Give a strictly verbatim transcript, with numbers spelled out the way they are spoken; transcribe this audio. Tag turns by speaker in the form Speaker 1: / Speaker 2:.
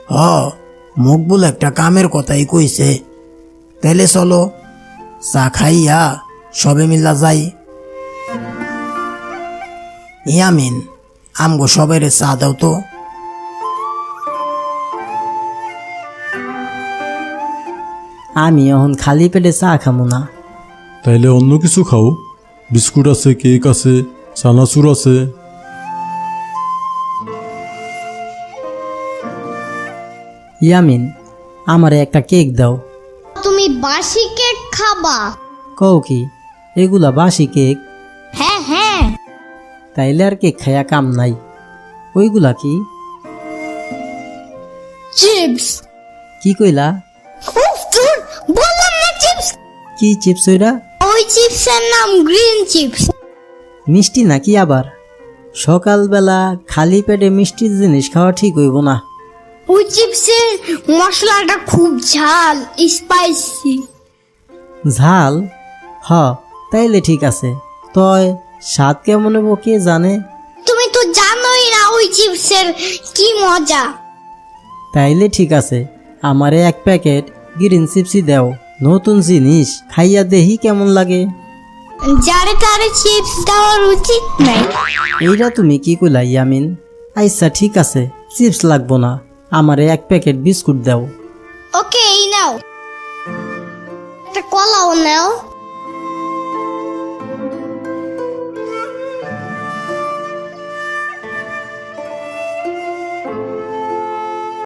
Speaker 1: হ, মকবুল একটা কামের কথাই কইছে। তাইলে চলো চা খাইয়া সবে মিল্লা যাই। ইয়ামিন, আমগো সবাইরে চা দাও তো।
Speaker 2: আমি এখন খালি পেটে চা খামো না।
Speaker 3: তাইলে অন্য কিছু খাও, বিস্কুট আছে, কেক আছে, চানাচুর আছে।
Speaker 2: ইয়ামিন, আমারে একটা কেক দাও।
Speaker 4: তুমি বাসি কেক খাবা?
Speaker 2: কও কি এগুলা বাসি কেক?
Speaker 4: হ্যাঁ হ্যাঁ।
Speaker 2: তাইলে আর কেক খাইয়া কাম নাই। ওইগুলা কি?
Speaker 4: চিপস।
Speaker 2: কি কইলা?
Speaker 4: উফ, ধুর, বললাম না চিপস।
Speaker 2: কি চিপস ওইরা?
Speaker 4: ওই চিপসের নাম গ্রিন চিপস।
Speaker 2: মিষ্টি নাকি আবার? সকালবেলা খালি পেটে মিষ্টি জিনিস খাওয়া ঠিক হইব না।
Speaker 4: ওই চিপসের মশলাটা খুব ঝাল, স্পাইসি।
Speaker 2: ঝাল? হ, তাইলে ঠিক আছে। তয় স্বাদ কেমন হবো কে জানে।
Speaker 4: তুমি তো জানোই না ওই চিপসের কি মজা।
Speaker 2: তাইলে ঠিক আছে, আমারে এক প্যাকেট গ্রিন চিপসই দাও। নতুন জিনিস খাইয়া দেহি কেমন লাগে।
Speaker 4: যারে তারে চিপস দেওয়ার উচিত নাই।
Speaker 2: এইটা তুমি কি কইলা ইয়ামিন? আচ্ছা ঠিক আছে, চিপস লাগবো না, আমারে এক প্যাকেট বিস্কুট দাও।
Speaker 4: ওকে, এই নাও। একটা কলাও নাও।